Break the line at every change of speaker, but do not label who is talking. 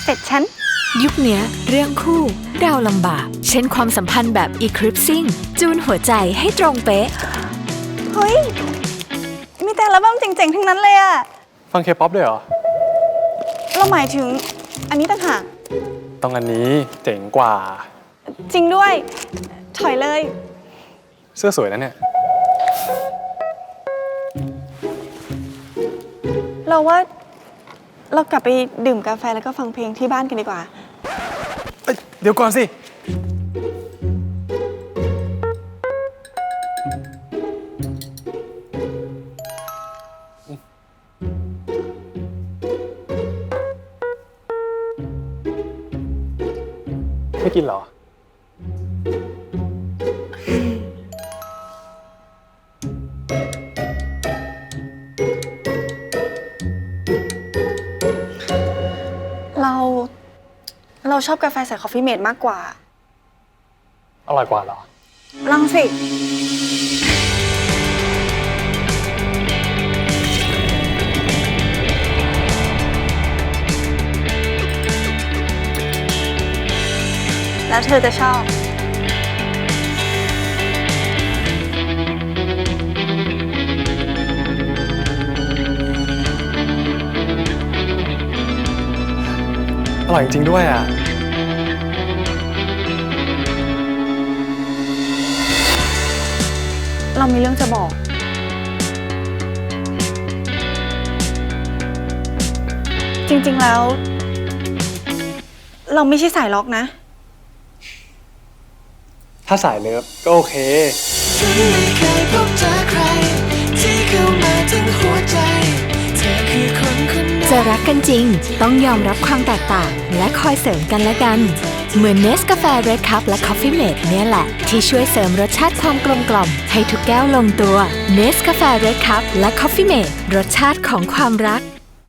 เสร็จฉัน
ยุคเนี้ยเรื่องคู่เราลำบากเช่นความสัมพันธ์แบบ Eclipsing จูนหัวใจให้ตรงเป๊ะ
เฮ้ยมีแต่ละบ้างเจ๋งๆทั้งนั้นเลยอะ
ฟังเคป๊อปด้วยเหรอ
เราหมายถึงอันนี้ต่างหาก
ต้องอันนี้เจ๋งกว่า
จริงด้วยถอยเลย
เสื้อสวยนะเนี่ย
เราว่าเรากลับไปดื่มกาแฟแล้วก็ฟังเพลงที่บ้านกันดีกว่า
เดี๋ยวก่อนสิไม่กินเหรอ
เราชอบกาแฟใส่คอฟฟี่เมดมากกว่า
อร่อยกว่าเหรอ
ลองสิแล้วเธอจะชอบ
อร่อยจริงๆด้วยอ่ะ
เรามีเรื่องจะบอกจริงๆแล้วเราไม่ใช่สายล็อกนะ
ถ้าสายเลิฟก็โอเค
ฉันไม่เคยพบเจอใครที่เข้ามาถึงหัวใจเธอคือคนคนนั้น
จะรักกันจริงต้องยอมรับความแตกต่างและคอยเสริมกันและกันเหมือนเนสกาแฟเรดคัพและคอฟฟี่เมดเนี่ยแหละที่ช่วยเสริมรสชาติความกลมกล่อมให้ทุกแก้วลงตัวเนสกาแฟเรดคัพและคอฟฟี่เมดรสชาติของความรัก